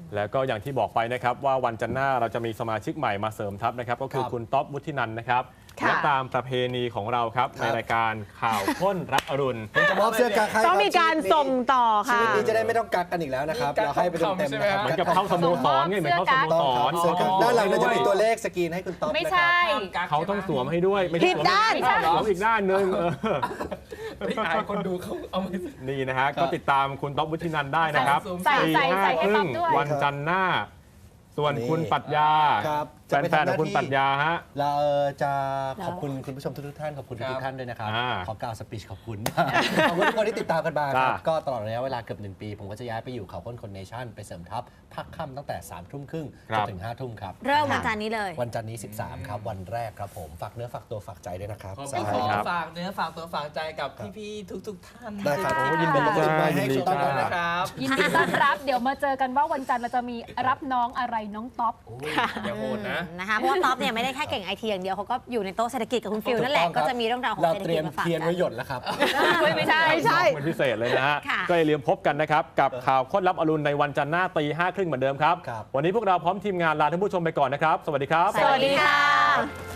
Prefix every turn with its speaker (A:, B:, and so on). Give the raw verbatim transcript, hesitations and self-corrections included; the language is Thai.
A: แล้วก็อย่างที่บอกไปนะครับว่าวันจันทร์หน้าเราจะมีสมาชิกใหม่มาเสริมทัพนะครับก็คือคุณต๊อบวุฒินันท์นะครับและตามประเพณีของเราครับในรายการข่าวข้นรับอรุณ
B: จะมอบเสื้อกั๊กให้
C: ต้องมีการส่งต่อค่ะ
B: ชีวิตนี้จะได้ไม่ต้องกักกันอีกแล้วนะครับเราให้ไปเต็มๆนะครับ
A: เหมือนกับเข้าสโมสรไงเหมือนเข้าสโมสร
B: ด้านหลังจะมีตัวเลขสกรีนให้คุณต๊อบ
D: ไม่ใช่
A: เขาต้องสวมให้ด้วยไม่ใช่
C: ผิดด้าน
A: สวมอีกด้านหนึ่ง
E: ไม่อายคนดูเขาเอาไม่
A: นี่นะฮะก็ติดตามคุณต๊อบวุฒินันท์ได้นะครับ
D: ใส่ใส่ใส่ให้ต๊อบด้วย
A: วันจันทร์หน้าส่วนคุณปรัชญาแฟนๆของคุณปรัชญาฮะ
B: เราจะขอบคุณคุณผู้ชมทุกท่านขอบคุณทุกท่านด้วยนะครับขอกล่าวสปีชขอบคุณขอบคุณทุกคนที่ติดตามกันมาครับก็ตลอดระยะเวลาเกือบหนึ่งปีผมก็จะย้ายไปอยู่เขาค้นคนเนชั่นไปเสริมทัพพักค่ำตั้งแต่สามทุ่มครึ่งจนถึงห้าทุ่มครับ
C: เริ่มวันจันทร์นี้เลย
B: วันจันทร์นี้สิบสามครับวันแรกครับผมฝากเนื้อฝากตัวฝากใจด้วยนะครับ
E: ขอฝากเนื้อฝากตัวฝากใจกับพี่ๆทุกๆท่าน
B: ได้ครับยินดีต้อนรับให้คุณต๊อบ
E: นะครับ
D: ยินดีต้อนรับเดี๋ยวมาเจอกันว่าวันจันทร์เราจะมีรับน้องอะไรน้องต๊อบ
E: อย่าโหดนะ
C: นะคะเพราะว่าต๊อบเนี่ยไม่ได้แค่เก่งไอทีอย่างเดียวเขาก็อยู่ในโต๊ะเศรษฐกิจกับคุณฟิลนั่นแหละก็จะมีเรื่องราวของเศรษฐกิจมาฝากกันเราเตรียม
B: เทียนไว้หยดแล้วครับ
C: ไม่ใช่ไม่ใช่
A: เป็นพิเศษเลยนะฮะก็อย่าลืมพบกันนะครับกับข่าวค้นรับอรุณในวันจันทร์หน้าตีห้าครึ่งเหมือนเดิมครับวันนี้พวกเราพร้อมทีมงานลาท่านผู้ชมไปก่อนนะครับสวัสดีครับ
C: สวัสดีค่ะ